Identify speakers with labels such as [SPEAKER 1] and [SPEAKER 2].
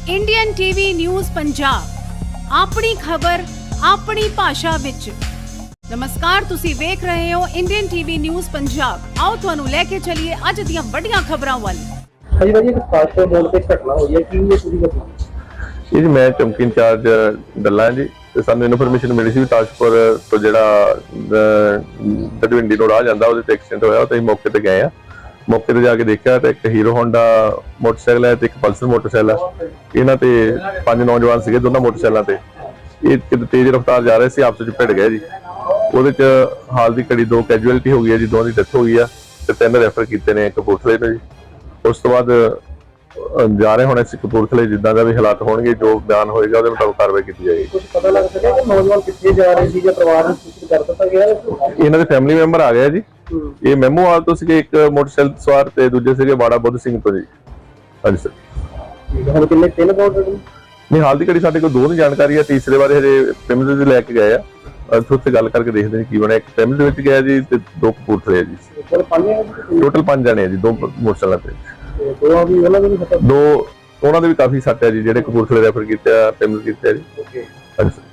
[SPEAKER 1] Indian TV news Punjab ਆਪਣੀ ਖਬਰ ਆਪਣੀ ਭਾਸ਼ਾ ਵਿੱਚ। ਨਮਸਕਾਰ, ਤੁਸੀਂ ਵੇਖ ਰਹੇ ਹੋ ਇੰਡੀਅਨ ਟੀਵੀ ਨਿਊਜ਼ ਪੰਜਾਬ। ਆਓ ਤੁਹਾਨੂੰ ਲੈ ਕੇ ਚੱਲੀਏ ਅੱਜ ਦੀਆਂ ਵੱਡੀਆਂ ਖਬਰਾਂ ਵੱਲ।
[SPEAKER 2] ਹਾਂਜੀ ਭਾਜੀ, ਇੱਕ ਪਾਸਪੋਰਟ ਮੋੜ ਤੇ ਘਟਨਾ ਹੋਈ ਹੈ, ਕੀ ਇਹ ਪੂਰੀ ਘਟਨਾ?
[SPEAKER 3] ਇਹ ਜੀ ਮੈਂ ਚੌਂਕੀ ਇੰਚਾਰਜ ਡੱਲਾ ਜੀ, ਤੇ ਸਾਨੂੰ ਇਨਫੋਰਮੇਸ਼ਨ ਮਿਲੀ ਸੀ ਤਾਜਪੁਰ ਤੋਂ ਜਿਹੜਾ ਦਡਵਿੰਡੀ ਤੋਂ ਰਾਹ ਜਾਂਦਾ ਉਹਦੇ ਤੇ ਐਕਸੀਡੈਂਟ ਹੋਇਆ। ਤੇ ਅਸੀਂ ਮੌਕੇ ਤੇ ਗਏ ਆ। ਮੌਕੇ ਤੇ ਜਾ ਕੇ ਦੇਖਿਆ ਤੇ ਇੱਕ ਹੀਰੋ ਹੋਂਡਾ ਮੋਟਰਸਾਈਕਲ ਹੈ ਤੇ ਇੱਕ ਪਲਸਰ ਮੋਟਰਸਾਈਕਲ ਹੈ। ਇਹਨਾਂ ਤੇ 5 ਨੌਜਵਾਨ ਸੀਗੇ ਦੋਨਾਂ ਮੋਟਰਸਾਈਕਲਾਂ ਤੇ। ਇਹ ਕਿਤੇ ਤੇਜ਼ ਰਫ਼ਤਾਰ ਜਾ ਰਹੇ ਸੀ, ਆਪਸ ਵਿੱਚ ਭਿੜ ਗਏ ਜੀ। ਉਹਦੇ ਚ ਹਾਲ ਦੀ ਘੜੀ 2 ਕੈਜੂਅਲਟੀ ਹੋ ਗਈ ਹੈ ਜੀ, 2 ਦੀ ਡੈਥ ਹੋ ਗਈ ਆ ਤੇ 3 ਰੈਫਰ ਕੀਤੇ ਨੇ ਕਪੂਰਥਲੇ ਤੋਂ ਜੀ। ਉਸ ਤੋਂ ਬਾਅਦ ਜਾ ਰਹੇ ਹੁਣ ਅਸੀਂ ਕਪੂਰਥਲੇ, ਜਿੱਦਾਂ ਦਾ ਵੀ ਹਾਲਾਤ ਹੋਣਗੇ, ਜੋ ਬਿਆਨ ਹੋਏਗਾ ਉਹਦੇ ਮੁਤਾਬਕ ਕਾਰਵਾਈ ਕੀਤੀ ਜਾਏਗੀ।
[SPEAKER 2] ਕੁਝ ਪਤਾ ਲੱਗ ਸਕਿਆ ਕਿ ਨੌਜਵਾਨ ਕਿੱਥੇ ਜਾ ਰਹੇ ਸੀ ਜਾਂ ਪਰਿਵਾਰ ਨੂੰ ਸੂਚਿਤ ਕਰ ਦਿੱਤਾ ਗਿਆ?
[SPEAKER 3] ਇਹਨਾਂ ਦੇ ਫੈਮਿਲੀ ਮੈਂਬਰ ਆ ਗਏ ਜੀ। ਇਹ ਮੈਮੋਵਾਲ ਤੋਂ ਸੀਗੇ, ਇੱਕ ਮੋਟਰਸਾਈਕਲ ਸਵਾਰ ਤੇ ਦੂਜੇ ਸੀਗੇ ਬਾੜਾ ਬੁੱਧ ਸਿੰਘ ਤੋਂ ਜੀ। ਹਾਂਜੀ ਸਰ।
[SPEAKER 2] ਹੁਣ ਕਿੰਨੇ 3 ਕਾਊਂਟਰ ਨੇ?
[SPEAKER 3] ਨਹੀਂ, ਹਾਲ ਦੀ ਘੜੀ ਸਾਡੇ ਕੋਲ 2 ਦੀ ਜਾਣਕਾਰੀ ਹੈ, ਤੀਸਰੇ ਬਾਰੇ ਹਜੇ ਪਿੰਡ ਦੇ ਲੈ ਕੇ ਗਏ ਆ। ਉੱਥੇ ਗੱਲ ਕਰਕੇ ਦੇਖਦੇ ਨੇ ਕੀ ਬਣਿਆ। ਇੱਕ ਪਿੰਡ ਦੇ ਵਿੱਚ ਗਿਆ ਜੀ ਤੇ 2 ਕਪੂਰਥਲੇ ਆ ਜੀ। ਟੋਟਲ 5 ਜਣੇ ਆ ਜੀ, 2 ਮੋਟਰਸਾਈਕਲਾਂ ਤੇ। 2 ਉਹਨਾਂ ਦੇ ਵੀ ਕਾਫੀ ਸੱਟ ਹੈ ਜੀ, ਜਿਹੜੇ ਕਪੂਰਥਲੇ ਰੈਫਰ ਕੀਤੇ ਆ, ਪਿੰਡ ਕੀਤੇ ਆ ਜੀ। ਹਾਂਜੀ ਸਰ।